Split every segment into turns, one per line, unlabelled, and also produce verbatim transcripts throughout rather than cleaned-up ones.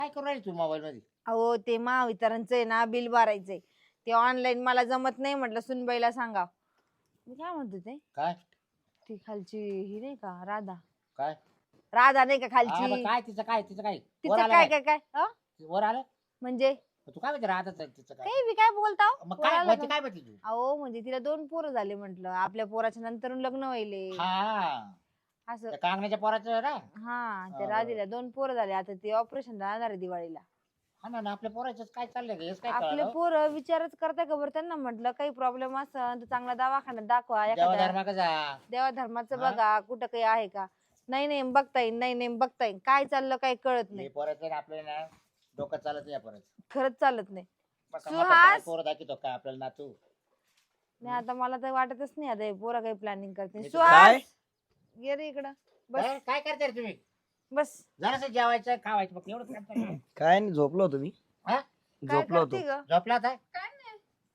काय करू राहील तू मोबाईल मध्ये?
अहो ते महावितरणचं आहे ना बिल भरायचंय. ते ऑनलाईन मला जमत नाही म्हटलं सुनबाईला सांगा. मी काय म्हणतो ते
काय
ती खालची ही नाही का राधा
काय
राधा नाही का
हा, मग
खालची
काय तिचं काय तिचं काय वर
तिचं
आलं
काय काय काय अ?
वर आलं
म्हणजे
तू काय म्हणते राहत तिचं काय
काही बी काय बोलता हो?
मग
वर
काय
आलं
म्हणते
का?
काय म्हणते तू?
अहो म्हणजे तिला दोन पोरं झाले म्हंटल आपल्या पोराच्या नंतर लग्न व्हायले
हा
असं.
त्या कांगण्याच्या पोराचं ना.
हा त्या
हा,
राधीला दोन पोरं झाले आता ते ऑपरेशन जाणार आहे दिवाळीला.
हा ना ना, आपल्या पोराचं काय चाललंय का? हेच काय
आपले
कळलं
पोरं विचारच करताय का बरं त्यांना म्हटलं काही प्रॉब्लेम असेल तर चांगला दवाखान्यात दाखवा
जेव्हा
एखाद्या
धर्माक जा.
देवा धर्माचं
हा?
बघा कुठं काही आहे का. नाही नाही बघता येईल नाही नाही बघता येईल काय चाललं काही कळत
हे
नाही.
पोराचं ना आपल्याला ना डोकं चालत नाही या पोराचं.
खरंच चालत नाही.
बघा,
सुहास!
म्हातारपणात पोरं दाखवतो काय आपल्याला नातू?
नाही आता मला तर वाटतच नाही आता हे पोरं काही प्लॅनिंग करते.
मी तर-
काय?
सुहास ये रे इकडं बस
काय काय करते रे तुम्ही?
बस.
जरासं जेवायचं खावायचं फक्त एवढंच काम चाललंय.
काय नाही झोपलो होतो मी.
हा?
काय
झोपलो होतो.
करते ग
झोपला आता?
काय नाही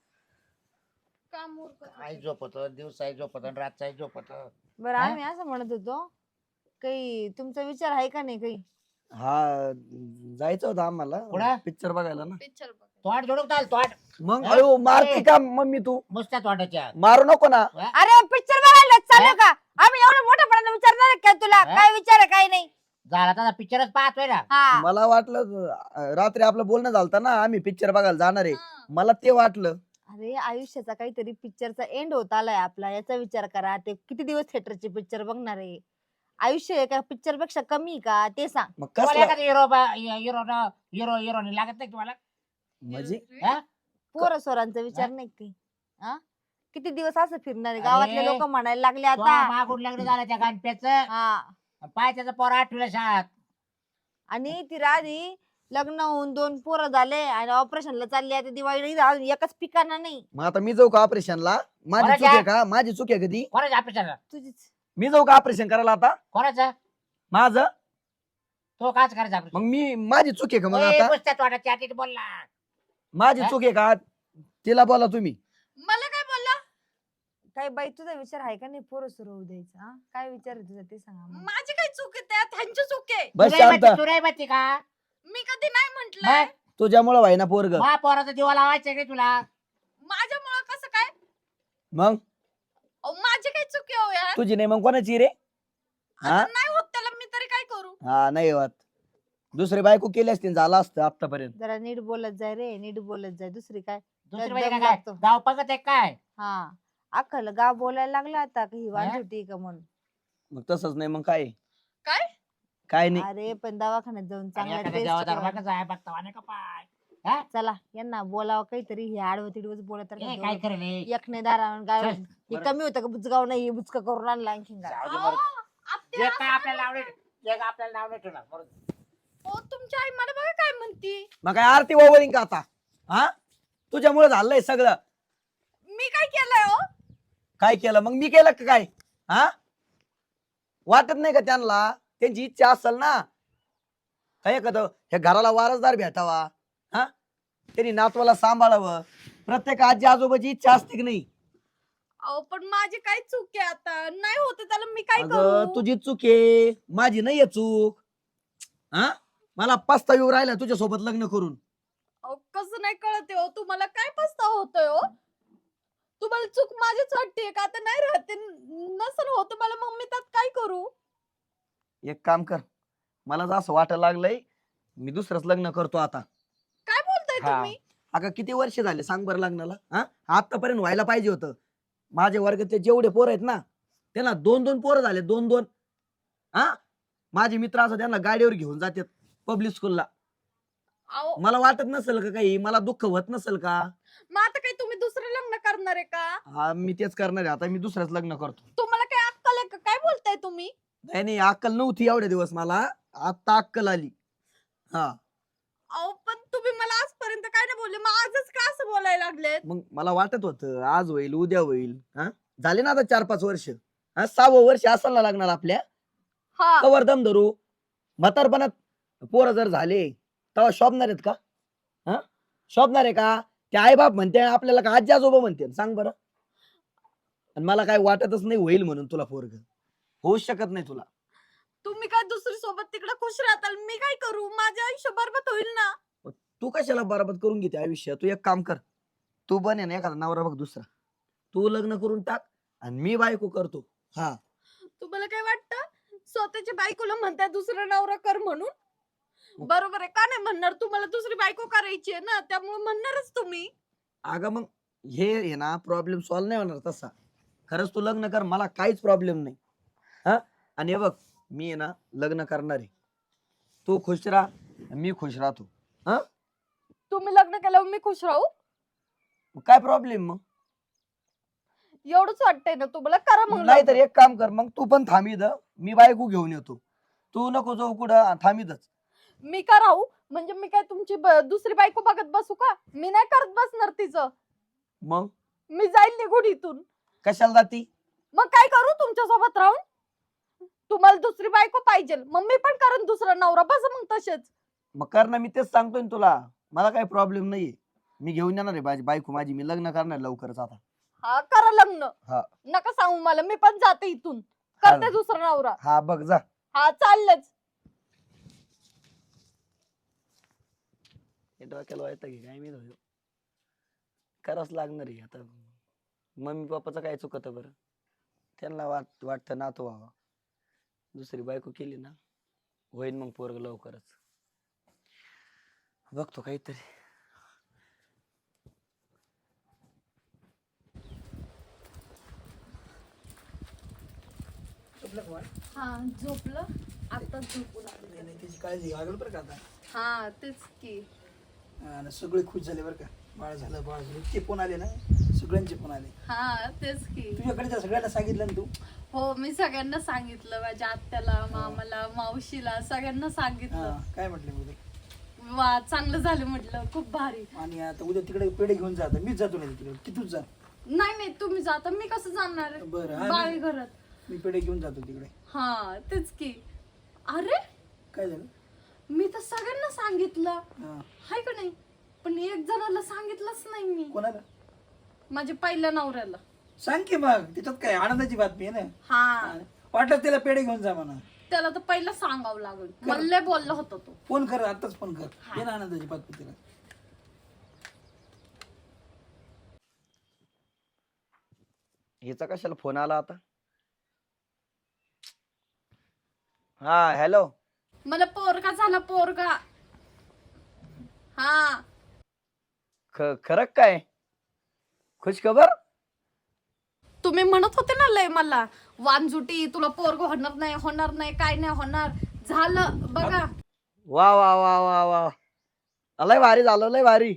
काम उरकत
आई झोपत दिवसाही झोपत रातचाही झोपत.
बरं
हा?
आम्ही असं म्हणत होतो काही तुमचा विचार आहे का नाही काही.
हा जायचं होतं आम्हाला
कुठं?
पिक्चर बघायला ना.
पिक्चर बघ
तोंड जोडून चाल तोंड
मग
हा?
अयो मारते
अरे.
का मम्मी तू?
नुसत्या तोंडाच्या.
मारू नको ना.
अरे पिक्चर बघायला चालू का आम्ही एवढं मोठ्यापणाने विचारणार काय तुला
हा?
काय विचार आहे काय नाही.
झाला तर पिक्चरच पाहतोय ना.
हा
मला वाटलं अं, रात्री आपलं बोलणं झालं ना आम्ही पिक्चर बघायला जाणार आहे. मला ते वाटलं.
अरे आयुष्याचा काहीतरी पिक्चरचा एंड होत आलाय आपला याचा विचार करा. ते किती दिवस थिएटरचे पिक्चर बघणार आहे. आयुष्य एका पिक्चर पेक्षा कमी आहे का ते सांग.
मग
तुम्हाला
कसला
एखादा हिरो हिरो हिरो हिरोनी लागत नाही तुम्हाला?
म्हणजे
हा?
पोरं सोरांचा विचार
हा?
नाही काही. हा किती दिवस असं फिरणार आहे गावातले
अरे,
लोक म्हणायला लागले
तो
आता.
मागून लग्न झालं त्या गणप्याचं.
हा
पाय त्याचा पोर आठवीला शाळात.
आणि ती राधी लग्न होऊन दोन पोरं झाले आणि ऑपरेशनला चालली आता दिवाळीला अजून एकच पिकाना नाही.
मग आता मी जाऊ का ऑपरेशनला? माझी
कोणाच्या?
चूक आहे का? माझी चूक आहे कधी?
कोणाचं ऑपरेशन?
तुझीच.
मी जाऊ का ऑपरेशन करायला आता?
कोणाचं?
माझं?
तो काच करायचा ऑपरेशन?
मग मी माझी चूक आहे का मग आता?
नुसत्या तोंडाच्या आधी बोलला.
माझी
हा?
चूक आहे का? तिला बोला तुम्ही.
मला काय बोलला
काय बाई तुझा विचार आहे का नाही पोरं सुरू होऊ द्यायचा. हा? काय विचार आहे तुझा ते सांगा आम्हाला.
माझी काय चूक आहे त्यात ह्यांची चूक आहे
बस
तू नाही
शांत.
म्हणते- तू नाही म्हणते का?
मी कधी नाही म्हंटलय
मग?
तुझ्यामुळे व्हाय ना पोरग.
मा पोराचा दिवा लावायचा का तुला?
माझ्यामुळं कसं काय
मग
अहो, माझी काय चूक आहे हो यार
तुझी नाही मग कोणाची रे?
आता
हा?
नाही होत त्याला मी तरी काय करू
हा नाही होत. दुसरी बायको केली असती झालं असतं आतापर्यंत.
जरा नीट बोलत जाय रे नीट बोलत जाय दुसरी काय.
दुसरी
दम
म्हणजे काय?
लागतो.
गाव पगत आहे काय?
हा अख्खल गाव बोलायला लागला आता की ही
हा?
वांझुटी का म्हणून.
मग तसंच नाही मग काय?
काय
काय नाही.
अरे पण दवाखान्यात जाऊन
आणि
चांगला
एखाद्या देवा
टेस्ट
धर्माकच आहे बघता वाणे का पाय?
चला यांना बोलावं काहीतरी हे आडवं तिडवच बोलत
ए, काय करेल हे?
एकने दारावर गाय
चल,
हे
बरं.
कमी होतं का बुचगाव नाही हे बुचका करून आणला आणखीन गाय.
जाऊ दे
अहो,
बरं.
आत्या,
जे काय आपल्याला नाव नाही जे काय आपल्याला नाव नाही ठेवणार बरं.
हो तुमची आई मला बघा काय म्हणती
मग काय आरती वावरिंग का आता? हा तुझ्यामुळे झालंय सगळं.
मी काय केलंय हो
काय केलं मग? मी केलं का काय? हा वाटत नाही का त्यांना? त्यांची इच्छा असेल ना काय एखादं ह्या घराला वारसदार भेटावा. हा त्यांनी नातवाला सांभाळावं. प्रत्येक आजी आजोबाची इच्छा असते की नाही?
अहो पण माझी काय चूक आहे आता नाही होत त्याला मी काय
अगं
करू
तुझी चूक आहे माझी नाहीये चूक. हा मला पस्ताव येऊ राहिला तुझ्या सोबत लग्न करून.
अहो, कसं नाही कळते हो तुम्हाला काय पस्ताव होतोय हो तुम्हाला चूक माझीच वाटते का आता नाही राहते नसल होत मला मग मी त्यात काय करू
एक काम कर मला जर असं वाटायला लागलंय मी दुसरंच लग्न करतो आता.
काय बोलताय
हा.
तुम्ही
अगं किती वर्ष झाले सांग बरं लग्नाला? हा आतापर्यंत व्हायला पाहिजे होतं. माझ्या वर्गातले जेवढे पोर आहेत ना त्यांना दोन दोन पोरं झाले दोन दोन. हा माझे मित्र असं त्यांना गाडीवर घेऊन जातात पब्लिक स्कूलला.
अहो
मला वाटत नसेल का काही? मला दुःख होत नसेल का?
मग आता काही तुम्ही दुसरं लग्न करणार आहे का
हा मी तेच करणार आहे आता. मी दुसरंच लग्न करतो.
तुम्हाला काय अक्कल आहे का काय बोलताय तुम्ही
नाही नाही अक्कल नव्हती एवढे दिवस मला. आता अक्कल आली. हा
अहो पण तुम्ही मला आजपर्यंत काय नाही बोलले मग आजच का असं बोलायला लागलेत
मग मला वाटत होतं आज होईल उद्या होईल. हा झाले ना आता चार पाच वर्ष. हा सहावं वर्ष असायला लागणार आपल्या.
हा
कवर दम धरू. म्हातारपणात पोरं जर झाले तेव्हा शोभणार आहेत का? हा शोभणार आहे का? ते आई बाप म्हणते आपल्याला का आजी आजोबा म्हणते सांग बरं. आणि मला काय वाटतच नाही होईल म्हणून तुला पोरग होऊच शकत नाही तुला.
तुम्ही काय दुसरी सोबत तिकडे खुश राहताल, मी काय करू? माझे आयुष्य बरबाद होईल ना.
तू कशाला बराबर करून घेते आयुष्य? तू एक काम कर, तू बने ना एखादा नवरा बघ दुसरा, तू लग्न करून टाक आणि मी बायको करतो. हा
तुम्हाला काय वाटतं स्वतःच्या बायकोला म्हणताय दुसरा नवरा कर म्हणून? बरोबर आहे का नाही म्हणणार? तुम्हाला दुसरी बायको करायची आहे ना, त्यामुळे म्हणणारच तुम्ही.
अगं मग हे आहे ना प्रॉब्लेम सॉल्व्ह नाही होणार तसा. खरंच तू लग्न कर, मला काहीच प्रॉब्लेम नाही. हा आणि हे बघ मी आहे ना लग्न करणार आहे, तू खुश राहा मी खुश राहतो. हा
तुम्ही लग्न केल्यावर मी खुश राहू
मग काय प्रॉब्लेम? मग
एवढंच वाटतंय ना तुम्हाला? करा मग
नाही तर
लग्न.
एक काम कर, मग तू पण थांबीद, मी बायको घेऊन येतो. तू नको जाऊ कुठं, थांबीदच.
मी का राहू? म्हणजे मी काय तुमची ब- दुसरी बायको बघत बसू का? मी नाही करत बसणार तिचं.
मग
मी जाईल निघून इथून.
कशाला जाती?
मग काय करू तुमच्या सोबत राहून? तुम्हाला दुसरी बायको पाहिजे, मग मी पण करेन दुसरा नवरा. बस मग तसेच.
मग कर ना, मी तेच सांगतोय ना तुला, मला काही प्रॉब्लेम नाहीये. मी घेऊन येणार आहे माझी बायको, माझी मी लग्न करणार लवकरच आता.
हा करा लग्न.
हा.
नका सांगू मला, मी पण जाते इथून,
हा.
करते दुसरा नवरा.
हा बघ जा.
हा चाललंच.
हे डोक्याला व्हायचं की काय मी धुयो. करावंच लागणार आहे आता. मम्मी पप्पाचं काय चुकत बरं? त्यांना वाट वाटतं नातू व्हावा, दुसरी बायको केली ना होईन मग पोरग लवकरच. बघतो काहीतरी.
हा झोपलं आता, झोपून आले.
त्याची काळजी लागल बरं का आता.
हा तेच की.
आणि सगळे खुश झाले बरं का. बाळ झालं बाळ झालं इतके फोन आले ना, सगळ्यांचे फोन आले.
हा तेच की.
तुझ्याकडे त्या सगळ्यांना सांगितलं ना तू?
हो मी सगळ्यांना सांगितलं, माझ्या आत्याला, मामाला, मावशीला, सगळ्यांना सांगितलं.
हा, काय म्हटले मग ते?
वा चांगलं झालं म्हटलं, खूप भारी.
आणि आता उद्या तिकडे पेढे घेऊन जा. आता मीच जातो नाही तिकडे की तूच जा?
नाही नाही तुम्ही जाता, मी कसं जाणार आहे?
बरं, हा,
बाई
मी-
घरात.
मी पेढे घेऊन जातो तिकडे.
हा तेच की. अरे
काय झालं?
मी तर सगळ्यांना सांगितलं,
हा.
हाय का नाही? पण एक जणाला सांगितलंच नाही मी,
कोणाला?
माझ्या पहिल्या नवऱ्याला.
सांग की मग, त्याच्यात काय आनंदाची बातमी आहे ना.
हा
वाटलं त्याला पेढे घेऊन जा म्हणा.
त्याला तर पहिलं सांगावं लागेल. मला लय बोलला होता तो.
फोन कर, आताच फोन कर. ये ना आनंदाची बातमी तिला.
हिचा कशाला फोन आला आता? हा हॅलो.
मला पोरगा झाला, पोरगा. हा
खरं काय? खुश खबर?
तुम्ही म्हणत होते ना लय मला, वानजुटी तुला पोरग होणार नाही, होणार नाही, काय नाही होणार. झालं बघा.
वा वा वा वा वा, लय भारी झालं, लय भारी.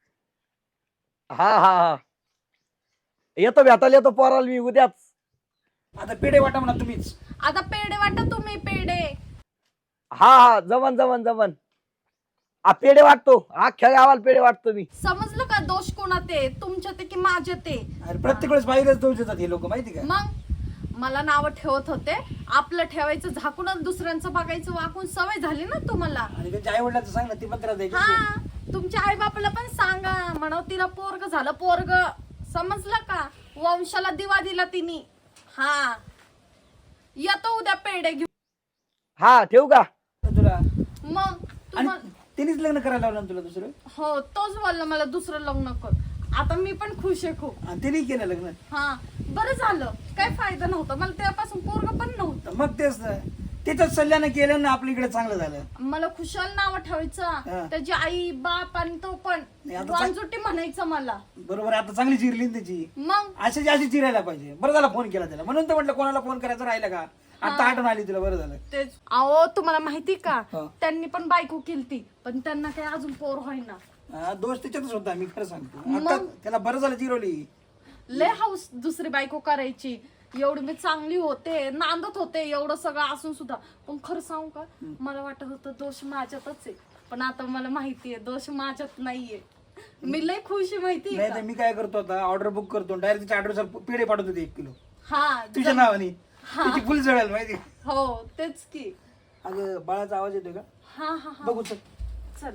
हा हा हा येतो, भेटायला येतो पोराला मी उद्याच.
आता पेढे वाटा म्हणा तुम्हीच.
आता पेढे वाटा तुम्ही, पेढे.
हा हा जमन जमन जमन. आ पेढे वाटतो, अख्ख्या गावाला पेढे वाटतो मी.
समजलं का? दोष कोणात आहे, तुमच्या ते की माझ्या ते?
अरे प्रत्येक वेळेस बाहेरच दोष देतात हे लोक, माहिती का?
मग मला नाव ठेवत होते, आपलं ठेवायचं झाकून आणि दुसऱ्यांचं बघायचं वाकून सवय झाली ना तुम्हाला.
आणि त्यांच्या आई वडिलांचं सांग ना, ती पण त्रास द्यायची.
हा तुमच्या आई बापाला पण सांगा, म्हणा तिला पोरग झालं, पोरग. समजलं का? वंशाला दिवा दिला तिने. हा येतो उद्या पेढे घेऊन.
हा ठेवू का?
तुला
मग
आणि
तुम्हाला
त्यांनीच लग्न करायला लावलं ना तुला दुसरं?
हो तोच बोलला मला दुसरं लग्न कर. आता मी पण खुश आहे खूप.
आणि त्यांनी केलं लग्न.
हा बरं झालं, काय फायदा नव्हता मला त्यापासून, पोरग पण नव्हतं.
मग तेच ना, त्याच्याच सल्ल्यानं केलं ना आपल्या इकडे चांगलं झालं.
मला खुशाल नाव
हा.
ठेवायचं, त्याची आई बाप आणि तो पण
नाही, आता चांग-
वांजुटी म्हणायचं मला.
बरोबर आहे, आता चांगली चिरली ना त्याची.
मग
अशाची अशी चिरायला पाहिजे. बरं झाला फोन केला त्याला, म्हणून तर म्हटलं कोणाला फोन करायचं राहिलं का. आता आठवण आली तुला, बरं झालं.
तेच. अहो तुम्हाला माहिती का,
हा.
त्यांनी पण बायको केलती, पण त्यांना काही अजून पोर होईना.
हा, दोष त्याच्यातच होता, मी खरं सांगतो.
मग?
आता त्याला बरं झालं चिरवली.
लय हाऊस दुसरी बायको करायची. एवढी मी चांगली होते, नांदत होते, एवढं सगळं असून सुद्धा. पण खरं सांगू का, मला वाटत होतं दोष माझ्यातच आहे, पण आता मला माहितीये दोष माझ्यात नाहीये. मी लय खुश आहे माहितीये
नाही
का?
तर मी काय करतो आता, ऑर्डर बुक करतो, डायरेक्ट तिच्या ऍड्रेसवर पेढे पाठवतो होते एक किलो
हा
तुझ्या नावाने. तिची फुल जळेल माहिती.
हो तेच की.
अगं बाळाचा आवाज येतोय का?
हा हा हा
बघू चल.
चल.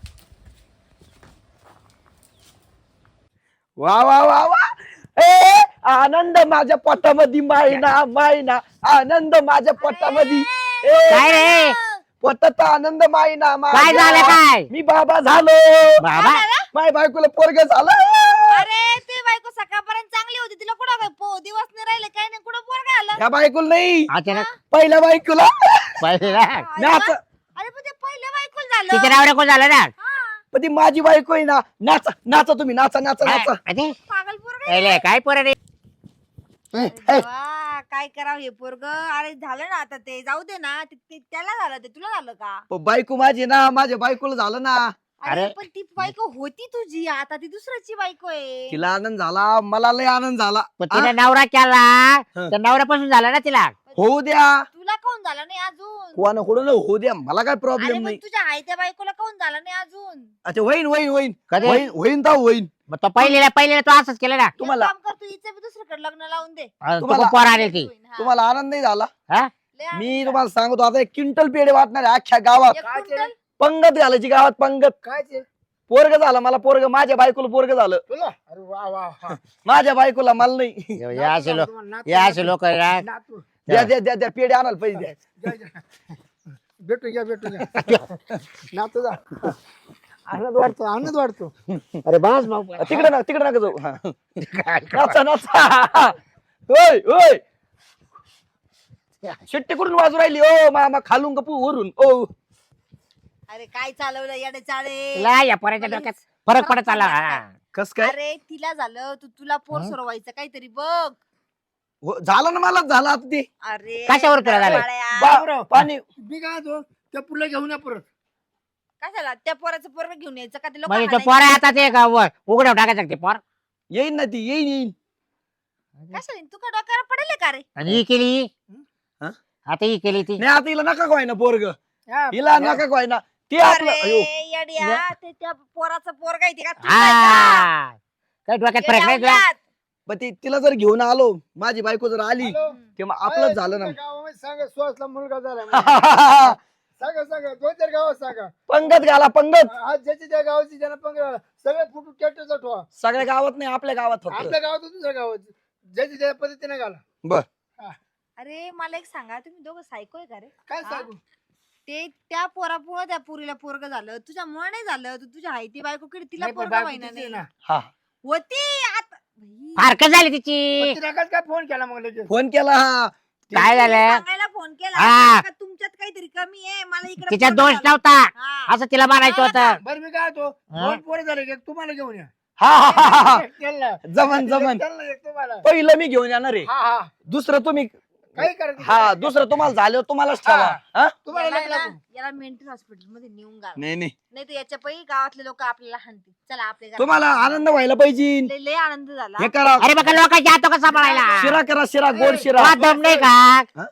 वा वा वा वा. ए आनंद माझ्या पोटामध्ये मायना मायना आनंद माझ्या पोटामध्ये
काय रे
पोटात आनंद मायना
काय झालं काय
मी बाबा झालो
बाबा
माय बायकोला पोरग झालं
अरे ते बायको सकाळपर्यंत चांगली होती तिला कुठं काय पो दिवस नाही राहिले काय नाही कुठं पोरगा आलं
या बायकोला नाही
अचानक
पहिल्या बायकोला
पहिला
नाच
अरे पण ते पहिल्या बायकोला झालं
तिच्या नावरे कोण झालं ना
पण ती माझी बायको आहे ना नाचा नाचा तुम्ही नाचा नाचा नाचा
अरे,
पागल पोरगा
पहिले काय पोरं रे
ए,
देवा, काय करावं हे पोरग अरे झालं ना आता ते जाऊ दे ना ते- ते- त्याला झालं ते तुला झालं का
पण बायको माझी ना माझ्या बायकोला झालं ना
अरे
अरे.
पण ती बायको होती तुझी आता ती दुसऱ्याची बायको आहे
तिला आनंद झाला मला लय आनंद झाला
पण तिने नवरा केला
हं.
तर नवऱ्यापासून झाला ना तिला
होऊ द्या
तुला कोण झालं नाही अजून
कोणा कुठं होऊ द्या मला काय
अरे
प्रॉब्लेम
पण
नाही
तुझ्या आई त्या बायकोला कोण झालं नाही अजून
अच्छा होईन होईन होईन
कधी
होईन होईन तर होईन
मग तो पहिलेला पहिलेला तो असंच केलं ना
एक
तुम्हाला-
काम कर तू हिचं बी दुसरीकडे लग्न लावून दे
अं, तो
तुम्हाला-
पोर आली ती
हा.
तुम्हाला आनंद नाही झाला
हा
लय आनंद
मी
झाला.
तुम्हाला सांगतो आता एक क्विंटल पेढे वाटणार आहे अख्ख्या गावात
एक क्विंटल?
पंगत घालायची गावात पंगत
काय ते
पोरग झालं मला पोरग माझ्या बायकोला पोरग झालं
तुला अरे वा वा वा.
माझ्या बायकोला मला नाही
या असे लोक
तुम्हाला नातू-
या असे लोक
नातू.
द्या द्या द्या द्या पेढे आणाल पैसे द्या
जा, जा. भेटून घ्या भेटून घ्या नातू जा आनंद वाटतो आनंद वाटतो
अरे बस भाऊ
तिकडे ना तिकडे नका जाऊ हा. नाचा नाचा होय होय शिट्टी कुठून वाजू राहिली ओ मामा खालून गपू वरून ओ
अरे काय चालवलं येडे चाळे
तुला या पोराच्या डोक्यात फरक पडत आला हा.
कस काय
अरे तिला झालं तू तुला पोर सोरवायचं काहीतरी बघ
हो, झालं ना मला झालं आता ते
अरे
कशावर तुला झालं?
बाळ्या.
बा- पाणी
मी काय तो त्या पुढला घेऊन या परत
कशाला त्या पोराचं पोरग घेऊन यायचं का ते लोक
म्हणजे तो पोर आता ते का व- उघड्यावर टाकायचं का ते पोर
येईन ना ती येईन येईन
कशाला तू का डोक्यावर पडेल का रे
आणि ही केली
हा?
आता ही केली ती
नाही आता हिला नका काय ना पोरग
हा,
हिला नका काय ना ते आपलं
अरे
अयो
येड्या ते त्या पोराचं पोरग आहे ते का तुझं आहे का?
हा काही डोक्यात फरक नाही तुला
येड्या
पण ती तिला जर घेऊन आलो माझी बायको जर आली
हॅलो.
तेव्हा आपलंच झालं ना
तुमच्या गावामध्ये सांगा सुहासला मुलगा झाला म्हणून. सांगा सांगा दोन चार गावात सांगा
पंगत घाला पंगत
आज ज्याची त्या गावाची ज्यांना पण सगळे फुटून ट्रॅक्टरचा ठेवा
सगळ्या गावात नाही आपल्या गावात फक्त
आपल्या गावात दुसऱ्या गावात ज्याची त्या पद्धतीने घाला
बर
अरे मला एक सांगा तुम्ही दोघं सायको आहे का रे
काय
हा?
सांगू
ते त्या पोरापुळं त्या पुरीला पोरग झालं तुझ्यामुळे नाही झालं तू तुझ्या हायती बायको कडे तिला
नाही, पण
पोरग
बायको
व्हायना
तिची आहे
नाही
ना.
हा
होती आता भाई,
फारकत झाली तिची
पण तिने काय फोन केला मग लगेच
फोन केला हा
काय
तिने
झालं
सांगायला फोन केला
हा.
का तुमच्यात काहीतरी कमी आहे मला इकडे
तिच्यात
पोरगं
दोष
झालं.
नव्हता
हा.
असं तिला मानायचं होतं
बरं मी काय तो
हा?
दोन पोरं झाले की एक तुम्हाला घेऊन या
हा हा, हा, हा, हा.
एक त्यांना.
जमन जमन
एक त्यांना, एक तुम्हाला
पहिलं मी घेऊन येणार आहे
हा हा
दुसरं तुम्ही
काही करायचं
हा दुसरं तुम्हाला झालं तुम्हालाच ठेवा हा?
तुम्हाला
याला
लग्न
ना-
करू.
याला मेंटल हॉस्पिटल मध्ये नेऊन घाल
नाही नाही
नाही तर याच्या पै गावातले लोक आपल्याला हाणतील चला आपल्या घरात.
तुम्हाला आनंद व्हायला पाहिजे
लय लय आनंद झाला
हे करा
अरे बघा लोकांच्या हातो कसा सांभाळायला
शिरा करा शिरा गोड शिरा
तुला दम नाही का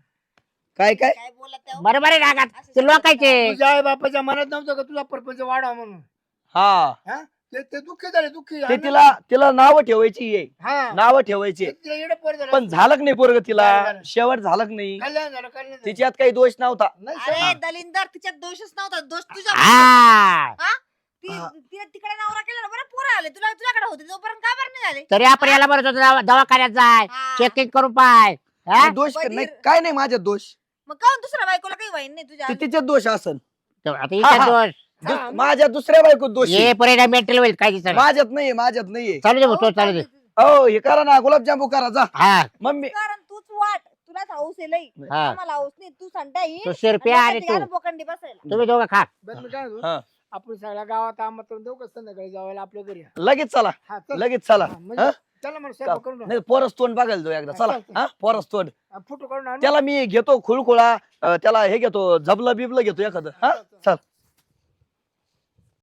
काय काय
काय बोलत आहे हो?
बरोबर आहे रागात ते लोकांचे
तुझ्या आई बापाच्या मनात नव्हतं का तुझा परपंच वाढा म्हणून
हा
हा ते ते दुःखी झाले दुःखी
ते तिला तिला नाव ठेवायची आहे
हा
नाव ठेवायचे
तिला येडं पोर झालं.
पण झालं नाही पोरग तिला
झालं, झालं.
शेवट झालं नाही
कल्याण झालं कल्याण झालं.
तिच्यात काही दोष नव्हता
नाही
अरे दलिंदर तिच्यात दोषच नव्हता दोष तुझा
हा
ती
हा.
तिला तिकडे नवरा केला ना, बरं पोरं आले तुला तुझ्याकडे होते तोपर्यंत का बरं नाही झाले
तरी आपण याला बरं होतं दवाखान्यात जाय
हा.
चेकिंग करून पाय हा?
दोष
बधीर.
नाही काय नाही माझ्यात दोष
मग काऊन दुसऱ्या बायकोला काही वाईन नाही तुझ्या
ते तिच्यात दोष असन
तर आता इथे
हा.
दोष
दुस- माझ्या दुसऱ्या बायकोत दोष आहे.
ये परिणाम मेंटल होईल काय दिसत
माझ्यात नाहीये माझ्यात नाहीये
चालू दे भाऊ, तो चालू दे
हो हे करा ना गुलाबजामू करा जा
हा
मम्मी
कारण तूच वाट तुलाच हाऊस आहे लई
हा
आम्हाला हाऊस नाही तू संडा
तो शिरप्या आणि तू
बोकंडी बसायला
तुम्ही दोघं खा
बरं मी काय म्हणतो,
हा.
आपण सगळ्या गावात आमंत्रण देऊ का संध्याकाळी जावायला आपल्या घरी
लगेच चला
हा चल
लगेच चला
हा, म्हणजे
हा?
चला मला स्वयंपाक करून टाक.
नाही पोरस तोंड बघायला जाऊ एकदा चला हा पोरस तोंड
हा, फोटो काढून आण.
त्याला मी घेतो खुळखुळा अं, त्याला हे घेतो झबलं बिबलं घेतो एखादं हा चल